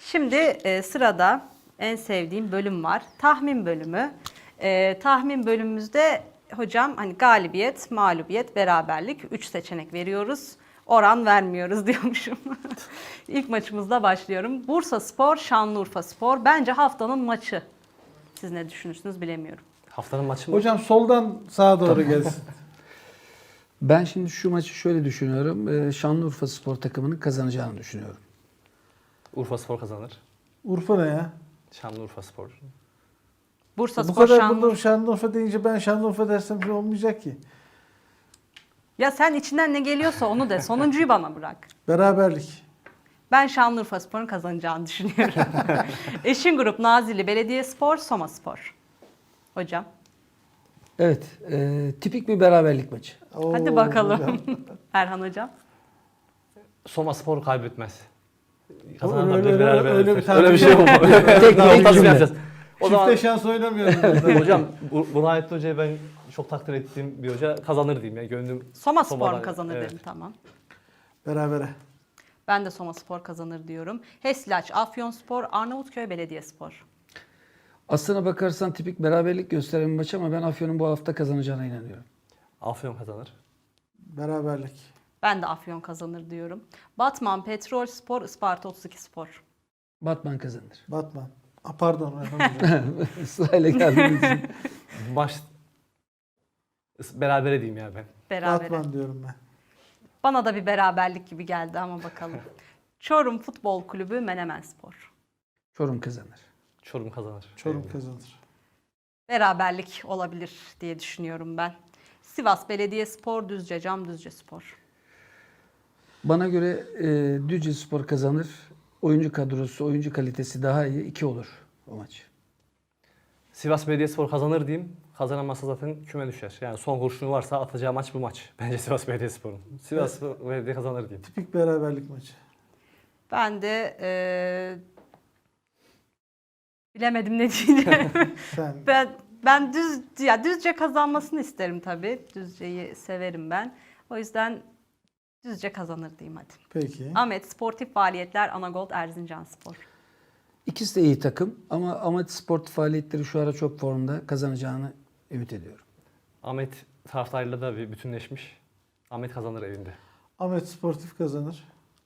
Şimdi sırada en sevdiğim bölüm var. Tahmin bölümü. Tahmin bölümümüzde hocam hani galibiyet, mağlubiyet, beraberlik 3 seçenek veriyoruz. Oran vermiyoruz diyormuşum. İlk maçımızla başlıyorum. Bursaspor, Şanlıurfaspor. Bence haftanın maçı. Siz ne düşünürsünüz bilemiyorum. Haftanın maçı mı? Hocam soldan sağa doğru gelsin. Ben şimdi şu maçı şöyle düşünüyorum. Şanlıurfaspor takımının kazanacağını düşünüyorum. Urfaspor kazanır. Urfa ne ya? Şanlıurfaspor. Bu Bursaspor, kadar Şanlıurfa. bunu Şanlıurfa deyince ben Şanlıurfa dersem şey olmayacak ki. Ya sen içinden ne geliyorsa onu de. Sonuncuyu bana bırak. Beraberlik. Ben Şanlıurfaspor'un kazanacağını düşünüyorum. Eşin grup Nazilli Belediyespor, Somaspor. Hocam. Evet, tipik bir beraberlik maçı. Hadi Oo, bakalım. hocam. Erhan hocam. Somaspor kaybetmez. Öyle- Kazananlar öyle- beraber. öyle bir Öyle tahmin bir şey olmaz. Tek Nasıl cümle. yapacağız? O Çifte zaman şans oynamıyoruz burada. hocam Burhanettin Hoca'yı ben çok takdir ettiğim bir hoca kazanır diyeyim. Yani gönlüm Somaspor mu Soma'dan- kazanır evet. dedim, tamam. Berabere. Ben de Somaspor kazanır diyorum. Heslaç, Afyonspor, Arnavutköy Belediyespor. Aslına bakarsan tipik beraberlik gösteren bir maç ama ben Afyon'un bu hafta kazanacağına inanıyorum. Afyon kazanır. Beraberlik. Ben de Afyon kazanır diyorum. Batman, Petrolspor, Isparta 32 Spor. Batman kazanır. Batman. Pardon. Erhan hocam. Sırayla geldiğimiz için. Maç berabere diyeyim ya ben. Berabere. Batman diyorum ben. Bana da bir beraberlik gibi geldi ama bakalım. Çorum Futbol Kulübü, Menemenspor. Çorum kazanır. Çorum kazanır. Çorum Benim de. kazanır. Beraberlik olabilir diye düşünüyorum ben. Sivas Belediyespor, Düzce Düzcespor. Bana göre Düzcespor kazanır. Oyuncu kadrosu, oyuncu kalitesi daha iyi. 2 olur o maç. Sivas Belediyespor kazanır diyeyim. Kazanamazsa zaten küme düşer. Yani son kurşunu varsa atacağı maç bu maç. Bence Sivas Belediyespor'un. Sivas Belediye kazanır diyeyim. Tipik beraberlik maçı. Ben de bilemedim ne diyeceğim. Sen ben Düzce kazanmasını isterim tabii. Düzce'yi severim ben. O yüzden Düzce kazanır diyeyim hadi. peki. Ahmet Sportif Faaliyetler, Anagold Erzincanspor. İkisi de iyi takım ama Ahmet Sportif faaliyetleri şu ara çok formda, kazanacağını ümit ediyorum. Ahmet taraftarıyla da bir bütünleşmiş. Ahmet kazanır evinde. Ahmet Sportif kazanır.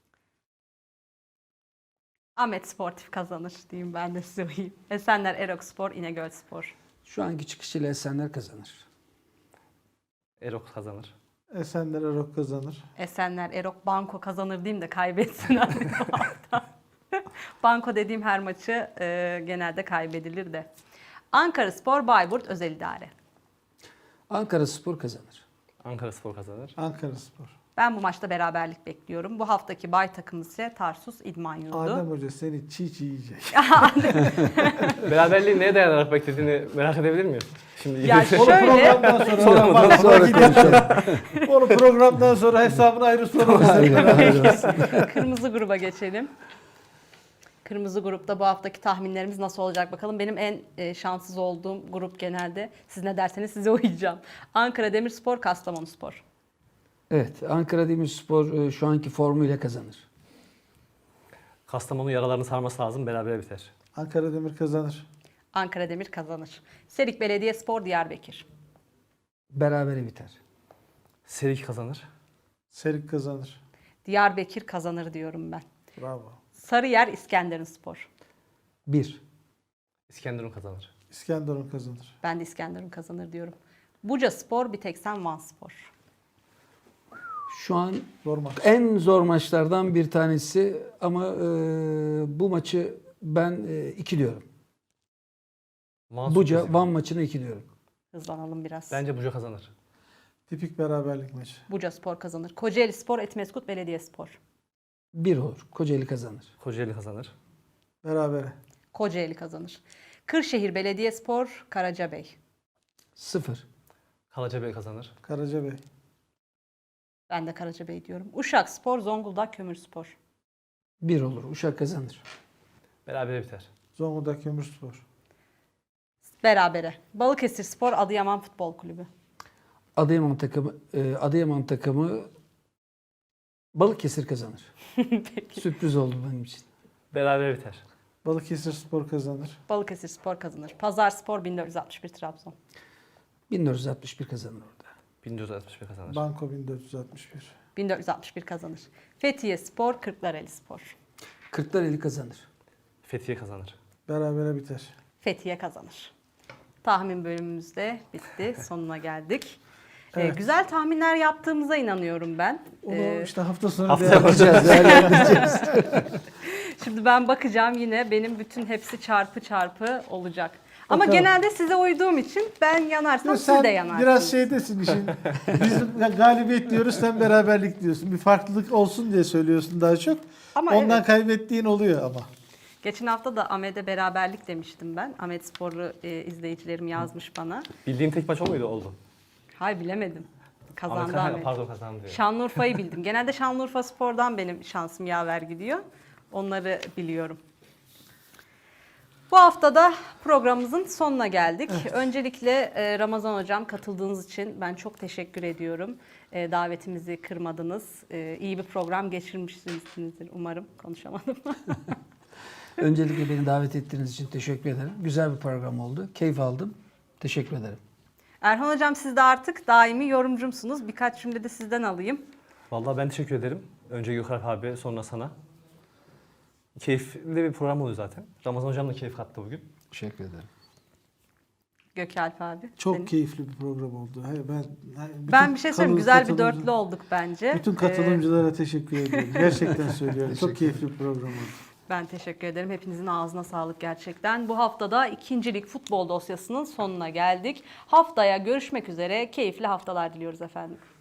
Ahmet Sportif kazanır diyeyim, ben de söyleyeyim. Esenler Erokspor, İnegölspor. Şu anki çıkışıyla Esenler kazanır. Erok kazanır. Esenler Erok kazanır. Esenler Erok Banko kazanır diyeyim de kaybetsin abi bu hafta. Banko dediğim her maçı genelde kaybedilir de. Ankaraspor, Bayburt Özel İdare. Ankara Spor kazanır. Ankara Spor kazanır. Ankara Spor. Ben bu maçta beraberlik bekliyorum. Bu haftaki bay takımı ise Tarsus İdman Yurdu. Adem Hoca seni çiğ çiğ yiyecek. Beraberliği neye dayanarak beklediğini merak edebilir miyim? Şimdi Ya Onu şöyle, programdan sonra. Sonra mı? Bak, Sonra bak, konuşalım. Onu programdan sonra hesabını ayrı sorarız. kırmızı gruba geçelim. Kırmızı grupta bu haftaki tahminlerimiz nasıl olacak bakalım. Benim en şanssız olduğum grup genelde. Siz ne derseniz size uyacağım. Ankara Demirspor, Kastamonuspor. Evet, Ankara Demirspor şu anki formuyla kazanır. Kastamonu yaralarını sarması lazım. Berabere biter. Ankara Demir kazanır. Ankara Demir kazanır. Serik Belediyespor, Diyarbakır. Berabere biter. Serik kazanır. Serik kazanır. Diyarbakır kazanır diyorum ben. Bravo. Sarıyer İskenderunspor. 1. İskenderun kazanır. İskenderun kazanır. Ben de İskenderun kazanır diyorum. Bucaspor, Biteksen Vanspor. Şu an Zor maç. en zor maçlardan bir tanesi ama bu maçı ben 2 diyorum. Buca, Van maçına 2 diyorum. Hızlanalım biraz. Bence Buca kazanır. Tipik beraberlik maçı. Bucaspor kazanır. Kocaelispor, Etmeskut Belediyespor. 1 olur. Kocaeli kazanır. Kocaeli kazanır. Berabere. Kocaeli kazanır. Kırşehir Belediyespor, Karacabey. 0. Karacabey kazanır. Karacabey. Ben de Karacabey diyorum. Uşakspor, Zonguldak Kömürspor. 1 olur. Uşak kazanır. Berabere biter. Zonguldak Kömürspor. Berabere. Balıkesirspor, Adıyaman Futbol Kulübü. Adıyaman takımı Balıkesir kazanır. Sürpriz oldu benim için. Berabere biter. Balıkesir Spor kazanır. Balıkesir Spor kazanır. Pazar Spor 1461 Trabzon. 1461 kazanır orada. 1461 kazanır. Banko 1461. 1461 kazanır. Fethiye Spor Kırklareli Spor. Kırklareli kazanır. Fethiye kazanır. Berabere biter. Fethiye kazanır. Tahmin bölümümüz de bitti. Sonuna geldik. Evet. Güzel tahminler yaptığımıza inanıyorum ben. Onu işte hafta sonu Hafta değerlendireceğiz. Değerlendireceğiz. Şimdi ben bakacağım, yine benim bütün hepsi çarpı çarpı olacak. Ama Bakalım. genelde size uyduğum için ben yanarsam Yok, siz sen de yanarsınız. biraz şeydesin işin. Biz galibiyet diyoruz, sen beraberlik diyorsun. Bir farklılık olsun diye söylüyorsun daha çok. Ama Ondan evet. kaybettiğin oluyor ama. Geçen hafta da Ahmet'e beraberlik demiştim ben. Ahmet Spor'u izleyicilerim yazmış bana. Bildiğin tek maç o muydu? Oldu. Hayır, bilemedim. Kazandı Ahmet- Ahmet. Pardon, kazandı diyor. Şanlıurfa'yı bildim. Genelde Şanlıurfa Spor'dan benim şansım yaver gidiyor. Onları biliyorum. Bu hafta da programımızın sonuna geldik. Öncelikle Ramazan Hocam, katıldığınız için ben çok teşekkür ediyorum. Davetimizi kırmadınız. İyi bir program geçirmişsinizdir umarım. Konuşamadım. Öncelikle beni davet ettiğiniz için teşekkür ederim. Güzel bir program oldu. Keyif aldım. Teşekkür ederim. Erhan Hocam, siz de artık daimi yorumcumsunuz. Birkaç cümle de sizden alayım. Vallahi ben teşekkür ederim. Önce Gökalp abi, sonra sana. Keyifli bir program oluyor zaten. Ramazan hocam da keyif kattı bugün. Teşekkür ederim. Gökalp abi. Çok senin. keyifli bir program oldu. Ben bir şey söyleyeyim. Güzel bir dörtlü olduk bence. Bütün katılımcılara teşekkür ediyorum. Gerçekten söylüyorum. Çok keyifli bir program oldu. Ben teşekkür ederim. Hepinizin ağzına sağlık gerçekten. Bu haftada 2. Lig futbol dosyasının sonuna geldik. Haftaya görüşmek üzere. Keyifli haftalar diliyoruz efendim.